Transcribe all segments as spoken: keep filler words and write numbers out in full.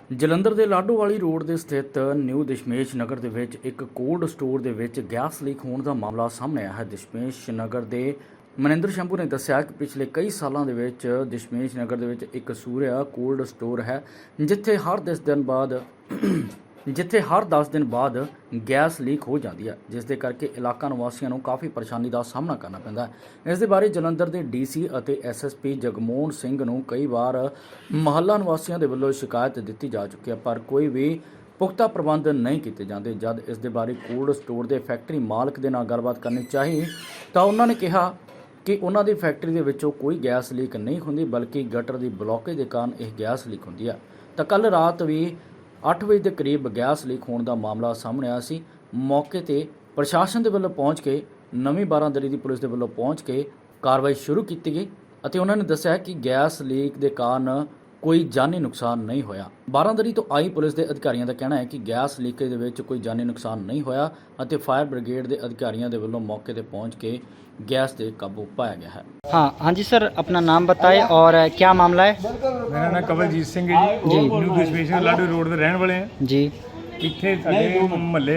ਜਲੰਧਰ ਦੇ ਲਾਡੋਵਾਲੀ ਰੋਡ ਦੇ ਸਥਿਤ ਨਿਊ ਦਸ਼ਮੇਸ਼ ਨਗਰ ਦੇ ਵਿੱਚ ਇੱਕ ਕੋਲਡ ਸਟੋਰ ਦੇ ਵਿੱਚ ਗੈਸ ਲੀਕ ਹੋਣ ਦਾ ਮਾਮਲਾ ਸਾਹਮਣੇ ਆਇਆ ਹੈ। ਦਸ਼ਮੇਸ਼ ਨਗਰ ਦੇ ਮਨਿੰਦਰ ਸ਼ੰਭੂ ਨੇ ਦੱਸਿਆ ਕਿ ਪਿਛਲੇ ਕਈ ਸਾਲਾਂ ਦੇ ਵਿੱਚ ਦਸ਼ਮੇਸ਼ ਨਗਰ ਦੇ ਵਿੱਚ ਇੱਕ ਸੂਰਿਆ ਕੋਲਡ ਸਟੋਰ ਹੈ, ਜਿੱਥੇ ਹਰ ਦਸ ਦਿਨ ਬਾਅਦ ਜਿੱਥੇ ਹਰ ਦਸ ਦਿਨ ਬਾਅਦ ਗੈਸ ਲੀਕ ਹੋ ਜਾਂਦੀ ਹੈ, ਜਿਸ ਦੇ ਕਰਕੇ ਇਲਾਕਾ ਨਿਵਾਸੀਆਂ ਨੂੰ ਕਾਫੀ ਪਰੇਸ਼ਾਨੀ ਦਾ ਸਾਹਮਣਾ ਕਰਨਾ ਪੈਂਦਾ ਹੈ। ਇਸ ਦੇ ਬਾਰੇ ਜਲੰਧਰ ਦੇ ਡੀਸੀ ਅਤੇ ਐਸਐਸਪੀ ਜਗਮੋਹਨ ਸਿੰਘ ਨੂੰ ਕਈ ਵਾਰ ਮੁਹੱਲਾ ਨਿਵਾਸੀਆਂ ਦੇ ਵੱਲੋਂ ਸ਼ਿਕਾਇਤ ਦਿੱਤੀ ਜਾ ਚੁੱਕੀ ਹੈ, ਪਰ ਕੋਈ ਵੀ ਪੁਖਤਾ ਪ੍ਰਬੰਧ ਨਹੀਂ ਕੀਤੇ ਜਾਂਦੇ। ਜਦ ਇਸ ਦੇ ਬਾਰੇ ਕੋਲਡ ਸਟੋਰ ਦੇ ਫੈਕਟਰੀ ਮਾਲਕ ਦੇ ਨਾਲ ਗੱਲਬਾਤ ਕਰਨੀ ਚਾਹੀ ਤਾਂ ਉਹਨਾਂ ਨੇ ਕਿਹਾ ਕਿ ਉਹਨਾਂ ਦੀ ਫੈਕਟਰੀ ਦੇ ਵਿੱਚੋਂ ਕੋਈ ਗੈਸ ਲੀਕ ਨਹੀਂ ਹੁੰਦੀ, ਬਲਕਿ ਗਟਰ ਦੀ ਬਲੌਕੇਜ ਦੇ ਕਾਰਨ ਇਹ ਗੈਸ ਲੀਕ ਹੁੰਦੀ ਹੈ। ਤਾਂ ਕੱਲ ਰਾਤ ਵੀ ਅੱਠ ਵਜੇ ਦੇ ਕਰੀਬ ਗੈਸ ਲੀਕ ਹੋਣ ਦਾ ਮਾਮਲਾ ਸਾਹਮਣੇ ਆਇਆ ਸੀ। ਮੌਕੇ ਤੇ ਪ੍ਰਸ਼ਾਸਨ ਦੇ ਵੱਲੋਂ ਪਹੁੰਚ ਕੇ ਨਵੀਂ ਬਾਰਾਂਦਰੀ ਦੀ ਪੁਲਿਸ ਦੇ ਵੱਲੋਂ ਪਹੁੰਚ ਕੇ ਕਾਰਵਾਈ ਸ਼ੁਰੂ ਕੀਤੀ ਗਈ ਅਤੇ ਉਹਨਾਂ ਨੇ ਦੱਸਿਆ ਕਿ ਗੈਸ ਲੀਕ ਦੇ ਕਾਰਨ ਕੋਈ ਜਾਨੀ ਨੁਕਸਾਨ ਨਹੀਂ ਹੋਇਆ। ਬਾਰਾਂਦਰੀ ਤੋਂ ਆਈ ਪੁਲਿਸ ਦੇ ਅਧਿਕਾਰੀਆਂ ਦਾ ਕਹਿਣਾ ਹੈ ਕਿ ਗੈਸ ਲੀਕੇਜ ਦੇ ਵਿੱਚ ਕੋਈ ਜਾਨੀ ਨੁਕਸਾਨ ਨਹੀਂ ਹੋਇਆ ਅਤੇ ਫਾਇਰ ਬ੍ਰਿਗੇਡ ਦੇ ਅਧਿਕਾਰੀਆਂ ਦੇ ਵੱਲੋਂ मौके पे पहुंच के गैस पे काबू पाया गया है। हाँ हाँ जी सर, अपना नाम बताएं और क्या मामला है। मेरा नाम कवलजीत सिंह है जी, न्यू दशमेश लाडो रोड के रहने वाले हैं जी। इत्थे साडे महल्ले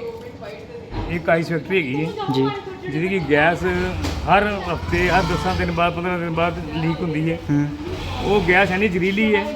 एक आइस फैक्ट्री हैगी जी, जिहदी कि गैस हर हफ्ते हर दस दिन बाद पंद्रह दिन बाद लीक होंदी है। वो गैस इन्नी जहरीली है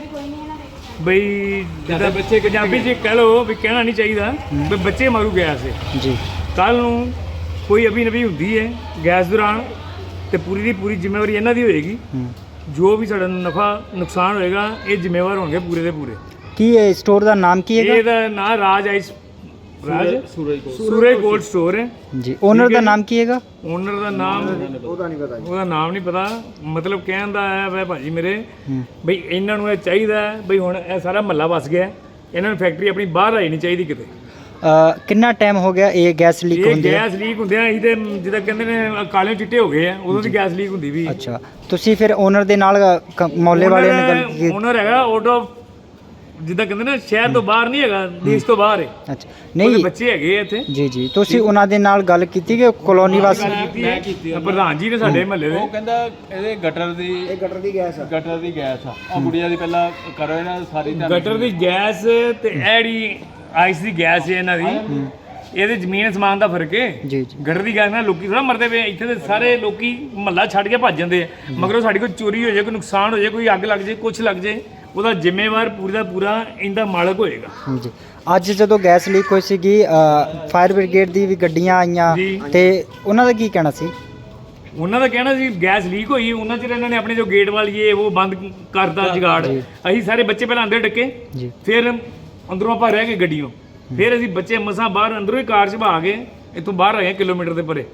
बई जिद्दां बच्चे पंजाबी च कह लो भी कहना नहीं चाहिए भी बच्चे मारू गैस है जी। कल नूं कोई अभी नवी होंदी है गैस दौरान तो पूरी की पूरी जिम्मेवारी इन्हां दी होएगी। जो भी साडा नफा नुकसान होएगा ये जिम्मेवार होंगे पूरे के पूरे। की स्टोर का नाम की है। ਇਹਦਾ ਨਾਂ Raj ice Raj Suraj cold store ਹੈ जी। ओनर का नाम की है। ਓਨਰ ਦਾ ਨਾਮ ਉਹਦਾ ਨਹੀਂ ਪਤਾ ਉਹਦਾ ਨਾਮ ਨਹੀਂ ਪਤਾ। ਮਤਲਬ ਕਹਿਣ ਦਾ ਹੈ ਵੇ ਭਾਜੀ ਮੇਰੇ ਬਈ ਇਹਨਾਂ ਨੂੰ ਇਹ ਚਾਹੀਦਾ ਬਈ ਹੁਣ ਇਹ ਸਾਰਾ ਮਹੱਲਾ ਵਸ ਗਿਆ, ਇਹਨਾਂ ਨੂੰ ਫੈਕਟਰੀ ਆਪਣੀ ਬਾਹਰ ਆਈ ਨਹੀਂ ਚਾਹੀਦੀ ਕਿਤੇ। ਕਿੰਨਾ ਟਾਈਮ ਹੋ ਗਿਆ ਇਹ ਗੈਸ ਲੀਕ ਹੁੰਦੀ ਹੈ। ਗੈਸ ਲੀਕ ਹੁੰਦੇ ਆ ਅਸੀਂ ਤੇ ਜਿੱਦਾਂ ਕਹਿੰਦੇ ਨੇ ਕਾਲੇ ਚਿੱਟੇ ਹੋ ਗਏ ਆ, ਉਦੋਂ ਦੀ ਗੈਸ ਲੀਕ ਹੁੰਦੀ ਵੀ। ਅੱਛਾ, ਤੁਸੀਂ ਫਿਰ ਓਨਰ ਦੇ ਨਾਲ ਮੌਲੇ ਵਾਲਿਆਂ ਨੇ ਗੱਲ ਕੀਤੀ। ਓਨਰ ਹੈਗਾ ਆਊਟ ਆਫ ਜਿੱਦਾਂ ਕਹਿੰਦੇ ਨੇ ਸ਼ਹਿਰ ਤੋਂ ਬਾਹਰ ਨਹੀਂ ਹੈਗਾ, ਦੇਸ਼ ਤੋਂ ਬਾਹਰ ਹੈ। ਅੱਛਾ, ਨਹੀਂ ਬੱਚੇ ਹੈਗੇ ਇੱਥੇ ਜੀ ਜੀ। ਤੁਸੀਂ ਉਹਨਾਂ ਦੇ ਨਾਲ ਗੱਲ ਕੀਤੀ ਕਿ ਕਲੋਨੀ ਵਾਸੀ। ਮੈਂ ਕੀਤੀ ਪ੍ਰਧਾਨ ਜੀ ਨੇ ਸਾਡੇ ਮਹੱਲੇ ਦੇ। ਉਹ ਕਹਿੰਦਾ ਇਹਦੇ ਗਟਰ ਦੀ ਇਹ ਗਟਰ ਦੀ ਗੈਸ ਆ ਗਟਰ ਦੀ ਗੈਸ ਆ ਆ ਗੁੜੀਆ ਦੀ ਪਹਿਲਾਂ ਕਰੋ ਇਹਨਾਂ ਸਾਰੀ ਗਟਰ ਦੀ ਗੈਸ ਤੇ ਐੜੀ ਆਈਸ ਦੀ ਗੈਸ ਹੈ ਇਹਨਾਂ ਦੀ। ਇਹਦੇ ਜ਼ਮੀਨ ਸਮਾਨ ਦਾ ਫਰਕ ਹੈ ਜੀ ਜੀ। ਗਟਰ ਦੀ ਗੈਸ ਨਾਲ ਲੋਕੀ ਥੋੜਾ ਮਰਦੇ ਪਏ, ਇੱਥੇ ਦੇ ਸਾਰੇ ਲੋਕੀ ਮਹੱਲਾ ਛੱਡ ਕੇ ਭੱਜ ਜਾਂਦੇ ਆ। ਮਗਰੋਂ ਸਾਡੀ ਕੋਈ ਚੋਰੀ ਹੋ ਜਾਏ, ਕੋਈ ਨੁਕਸਾਨ ਹੋ ਜਾਏ, ਕੋਈ ਅੱਗ ਲੱਗ ਜਾਏ, ਕੁਛ ਲੱਗ ਜਾਏ, ਉਹਦਾ ਜ਼ਿੰਮੇਵਾਰ ਪੂਰੀ ਦਾ ਪੂਰਾ ਇਹਦਾ ਮਾਲਕ ਹੋਏਗਾ ਜੀ। ਅੱਜ ਜਦੋਂ ਗੈਸ ਲੀਕ ਹੋਈ ਸੀਗੀ ਫਾਇਰ ਬ੍ਰਿਗੇਡ ਦੀ ਵੀ ਗੱਡੀਆਂ ਆਈਆਂ ਤੇ ਉਹਨਾਂ ਦਾ ਕੀ ਕਹਿਣਾ ਸੀ। ਉਹਨਾਂ ਦਾ ਕਹਿਣਾ ਸੀ ਗੈਸ ਲੀਕ ਹੋਈ, ਉਹਨਾਂ ਚਿਰ ਇਹਨਾਂ ਨੇ ਆਪਣੇ ਜੋ ਗੇਟ ਵਾਲੀਏ ਉਹ ਬੰਦ ਕਰਤਾ ਜਗਾੜ। ਅਸੀਂ ਸਾਰੇ ਬੱਚੇ ਪਹਿਲਾਂ ਅੰਦਰ ਡੱਕੇ, ਫਿਰ ਅੰਦਰੋਂ ਆਪਾਂ ਰਹਿ ਗਏ ਗੱਡੀਆਂ, ਫਿਰ ਅਸੀਂ ਬੱਚੇ ਮਸਾਂ ਬਾਹਰ ਅੰਦਰੋਂ ਹੀ ਕਾਰ 'ਚ ਭਾ ਕੇ ਇੱਥੋਂ ਬਾਹਰ ਆਏ ਕਿਲੋਮੀਟਰ ਦੇ ਪਰੇ।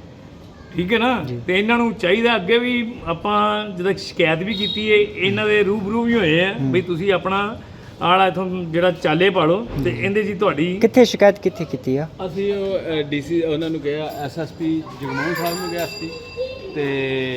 ਠੀਕ ਹੈ ਨਾ। ਤੇ ਇਹਨਾਂ ਨੂੰ ਚਾਹੀਦਾ ਅੱਗੇ ਵੀ ਆਪਾਂ ਜਦੋਂ ਸ਼ਿਕਾਇਤ ਵੀ ਕੀਤੀ ਹੈ, ਇਹਨਾਂ ਦੇ ਰੂਬਰੂ ਵੀ ਹੋਏ ਆ ਬਈ ਤੁਸੀਂ ਆਪਣਾ ਆਲਾ ਇਥੋਂ ਜਿਹੜਾ ਚਾਲੇ ਪਾਲੋ ਤੇ ਇਹਦੇ ਜੀ ਤੁਹਾਡੀ। ਕਿੱਥੇ ਸ਼ਿਕਾਇਤ ਕਿੱਥੇ ਕੀਤੀ ਆ। ਅਸੀਂ ਉਹ ਡੀਸੀ ਉਹਨਾਂ ਨੂੰ ਕਿਹਾ, ਐਸਐਸਪੀ ਜਗਮੋਹਨ ਸਾਹਿਬ ਨੂੰ ਕਿਹਾ ਸੀ ਤੇ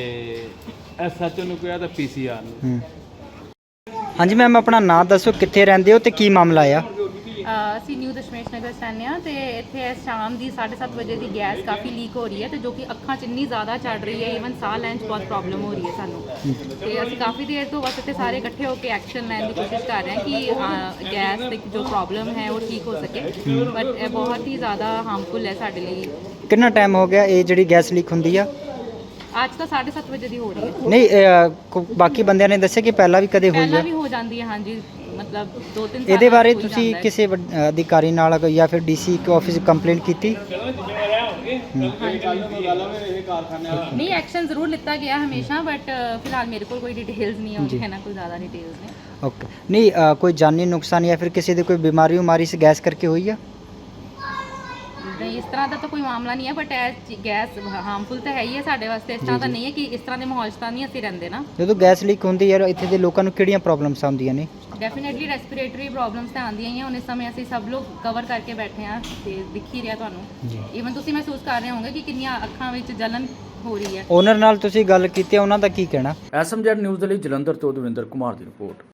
ਐਸਐਚਓ ਨੂੰ ਕਿਹਾ ਤੇ ਪੀਸੀਆਰ ਨੂੰ। ਹਾਂਜੀ ਮੈਮ, ਆਪਣਾ ਨਾਮ ਦੱਸੋ, ਕਿੱਥੇ ਰਹਿੰਦੇ ਹੋ ਤੇ ਕੀ ਮਾਮਲਾ ਆ। ਅਸੀਂ ਨਿਊ ਦਸ਼ਮੇਸ਼ ਨਗਰ ਰਹਿੰਦੇ ਹਾਂ ਤੇ ਇੱਥੇ ਇਸ ਸ਼ਾਮ ਦੀ ਸਾਢੇ ਸੱਤ ਵਜੇ ਦੀ ਗੈਸ ਕਾਫੀ ਲੀਕ ਹੋ ਰਹੀ ਹੈ ਤੇ ਜੋ ਕਿ ਅੱਖਾਂ 'ਚ ਇੰਨੀ ਜ਼ਿਆਦਾ ਚੜ ਰਹੀ ਹੈ, ਈਵਨ ਸਾਹ ਲੈਣ 'ਚ ਬਹੁਤ ਪ੍ਰੋਬਲਮ ਹੋ ਰਹੀ ਹੈ ਸਾਨੂੰ। ਤੇ ਅਸੀਂ ਕਾਫੀ ਦੇਰ ਤੋਂ ਬਸ ਇੱਥੇ ਸਾਰੇ ਇਕੱਠੇ ਹੋ ਕੇ ਐਕਸ਼ਨ ਲੈਣ ਦੀ ਕੋਸ਼ਿਸ਼ ਕਰ ਰਹੇ ਹਾਂ ਕਿ ਗੈਸ ਦੀ ਜੋ ਪ੍ਰੋਬਲਮ ਹੈ ਉਹ ਠੀਕ ਹੋ ਸਕੇ, ਬਟ ਇਹ ਬਹੁਤ ਹੀ ਜ਼ਿਆਦਾ ਹਾਰਮਫੁਲ ਹੈ ਸਾਡੇ ਲਈ। ਕਿੰਨਾ ਟਾਈਮ ਹੋ ਗਿਆ ਇਹ ਜਿਹੜੀ ਗੈਸ ਲੀਕ ਹੁੰਦੀ ਆ। ਅੱਜ ਤਾਂ ਸਾਢੇ ਸੱਤ ਵਜੇ ਦੀ ਹੋ ਰਹੀ ਹੈ। ਨਹੀਂ, ਅਹ, ਕੋ- ਬਾਕੀ ਬੰਦਿਆਂ ਨੇ ਦੱਸਿਆ ਕਿ ਪਹਿਲਾਂ ਵੀ ਕਦੇ ਹੋਈ ਪਹਿਲਾਂ ਆ। ਵੀ ਹੋ ਜਾਂਦੀ ਹੈ, ਹਾਂਜੀ, ਮਤਲਬ ਦੋ ਤਿੰਨ ਸਾਲ ਇਹਦੇ ਬਾਰੇ ਬਾਅਦ ਹੋਈ ਤੁਸੀਂ ਜਾਂਦਾ ਹੈ। ਕਿਸੇ ਵੱਡ- ਅਧਿਕਾਰੀ ਨਾਲ ਜਾਂ ਫਿਰ ਡੀਸੀ ਆਫਿਸ ਕੰਪਲੇਂਟ ਕੀਤੀ। ਨਹੀਂ, ਐਕਸ਼ਨ ਜ਼ਰੂਰ ਲਿੱਤਾ ਗਿਆ ਹਮੇਸ਼ਾ, ਬਟ ਫਿਲਹਾਲ ਮੇਰੇ ਕੋਲ ਕੋਈ ਡਿਟੇਲਸ ਨਹੀਂ ਹੈ, ਹੈ ਨਾ, ਕੋਈ ਜ਼ਿਆਦਾ ਡਿਟੇਲਸ ਨੇ। ਓਕੇ, ਨਹੀਂ ਅਹ, ਕੋਈ ਜਾਨੀ ਨੁਕਸਾਨ ਜਾਂ ਫਿਰ ਕਿਸੇ ਦੀ ਕੋਈ ਬਿਮਾਰੀ ਉਮਾਰੀ ਇਸ ਗੈਸ ਕਰਕੇ ਹੋਈ ਆ। ਨਹੀਂ, ਇਸ ਤਰ੍ਹਾਂ ਦਾ ਤਾਂ ਕੋਈ ਮਾਮਲਾ ਨਹੀਂ ਹੈ, ਬਟ ਇਹ ਗੈਸ ਹਾਰਮਫੁਲ ਤਾਂ ਹੈ ਹੀ ਹੈ ਸਾਡੇ ਵਾਸਤੇ। ਇਸ ਤਰ੍ਹਾਂ ਤਾਂ ਨਹੀਂ ਹੈ ਕਿ ਇਸ ਤਰ੍ਹਾਂ ਦੇ ਮਾਹੌਲ 'ਚ ਤਾਂ ਨਹੀਂ ਅਸੀਂ ਰਹਿੰਦੇ ਨਾ। ਜਦੋਂ ਗੈਸ ਲੀਕ ਹੁੰਦੀ ਯਾਰ, ਇੱਥੇ ਦੇ ਲੋਕਾਂ ਨੂੰ ਕਿਹੜੀਆਂ ਪ੍ਰੋਬਲਮਸ ਆਉਂਦੀਆਂ ਨੇ। ਡੈਫੀਨੇਟਲੀ ਰੈਸਪੀਰੇਟਰੀ ਪ੍ਰੋਬਲਮਸ ਤਾਂ ਆਉਂਦੀਆਂ ਹੀ ਆ। ਹੁਣ ਇਸ ਸਮੇਂ ਅਸੀਂ ਸਭ ਲੋਕ ਕਵਰ ਕਰਕੇ ਬੈਠੇ ਹਾਂ ਤੇ ਦਿਖ ਹੀ ਰਿਹਾ ਤੁਹਾਨੂੰ। ਈਵਨ ਤੁਸੀਂ ਮਹਿਸੂਸ ਕਰ ਰਹੇ ਹੋਵੋਗੇ ਕਿ ਕਿੰਨੀਆਂ ਅੱਖਾਂ ਵਿੱਚ ਜਲਨ ਹੋ ਰਹੀ ਹੈ। ਓਨਰ ਨਾਲ ਤੁਸੀਂ ਗੱਲ ਕੀਤੀ, ਉਹਨਾਂ ਦਾ ਕੀ ਕਹਿਣਾ। ਐਸਐਮਜੈਡ ਨਿਊਜ਼ ਦੇ ਲਈ ਜਲੰਧਰ ਤੋਂ ਦਵਿੰਦਰ ਕੁਮਾਰ ਦੀ ਰਿਪੋਰਟ।